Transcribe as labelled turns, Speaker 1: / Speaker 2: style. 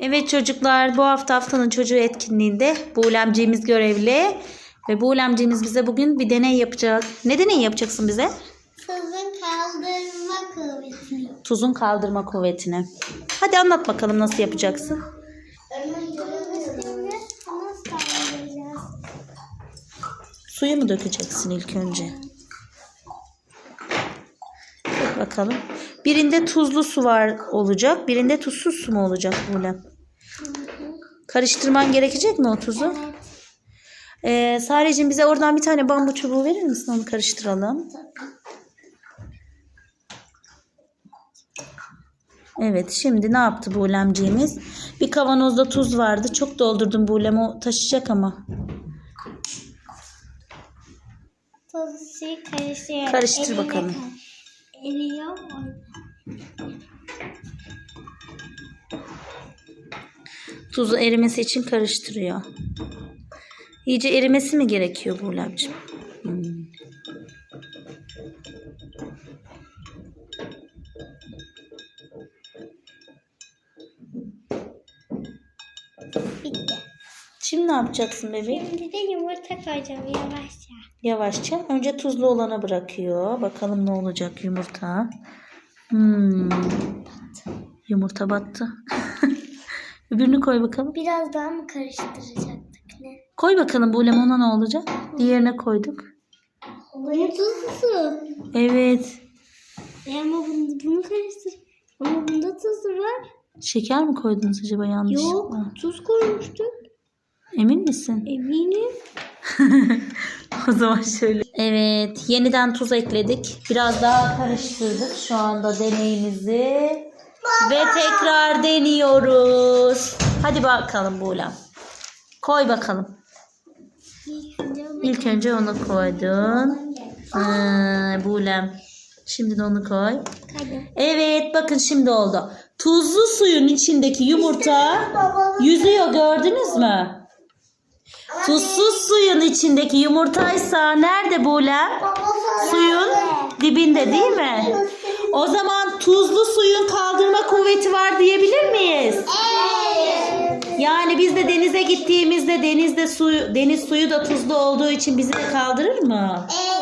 Speaker 1: Evet çocuklar, bu hafta haftanın çocuğu etkinliğinde Buğulemciğimiz görevli. Ve Buğulemciğimiz bize bugün bir deney yapacak. Ne deney yapacaksın bize?
Speaker 2: Tuzun kaldırma kuvvetini.
Speaker 1: Tuzun kaldırma kuvvetini. Hadi anlat bakalım nasıl yapacaksın?
Speaker 2: Şimdi nasıl kaldıracağız?
Speaker 1: Suyu mu dökeceksin ilk önce? Bak bakalım. Birinde tuzlu su var olacak. Birinde tuzsuz su mu olacak Buğulem? Karıştırman gerekecek mi o tuzu?
Speaker 2: Evet.
Speaker 1: Sareciğim bize oradan bir tane bambu çubuğu verir misin? Onu karıştıralım. Evet, şimdi ne yaptı Buğulemciğimiz? Bir kavanozda tuz vardı. Çok doldurdum Buğulem, o taşıyacak ama.
Speaker 2: Tuzu karıştır.
Speaker 1: Karıştır bakalım.
Speaker 2: Eriyor.
Speaker 1: Tuzu erimesi için karıştırıyor. İyice erimesi mi gerekiyor Buğulemciğim?
Speaker 2: Bitti.
Speaker 1: Şimdi ne yapacaksın bebeğim?
Speaker 2: Şimdi de yumurta koyacağım yavaşça.
Speaker 1: Yavaşça. Önce tuzlu olana bırakıyor. Bakalım ne olacak yumurta. Yumurta battı. Öbürünü koy bakalım.
Speaker 2: Biraz daha mı karıştıracaktık ne?
Speaker 1: Koy bakalım Buğulem, ona ne olacak? Diğerine koyduk.
Speaker 2: Bunu tuzlu.
Speaker 1: Evet.
Speaker 2: Ama bunu karıştır. Ama bunda tuz var.
Speaker 1: Şeker mi koydunuz acaba yanlışlıkla?
Speaker 2: Yok, tuz koymuştuk.
Speaker 1: Emin misin?
Speaker 2: Eminim.
Speaker 1: O zaman şöyle. Evet, yeniden tuz ekledik. Biraz daha karıştırdık şu anda deneyimizi. Ve tekrar deniyoruz. Hadi bakalım Buğulem. Koy bakalım. İlk önce onu koydun. Buğulem. Şimdi de onu koy. Evet, bakın şimdi oldu. Tuzlu suyun içindeki yumurta yüzüyor, gördünüz mü? Tuzsuz suyun içindeki yumurtaysa nerede Buğulem? Suyun dibinde değil mi? O zaman tuzlu suyun kaldırma kuvveti var diyebilir miyiz? Yani biz de denize gittiğimizde deniz suyu da tuzlu olduğu için bizi de kaldırır mı?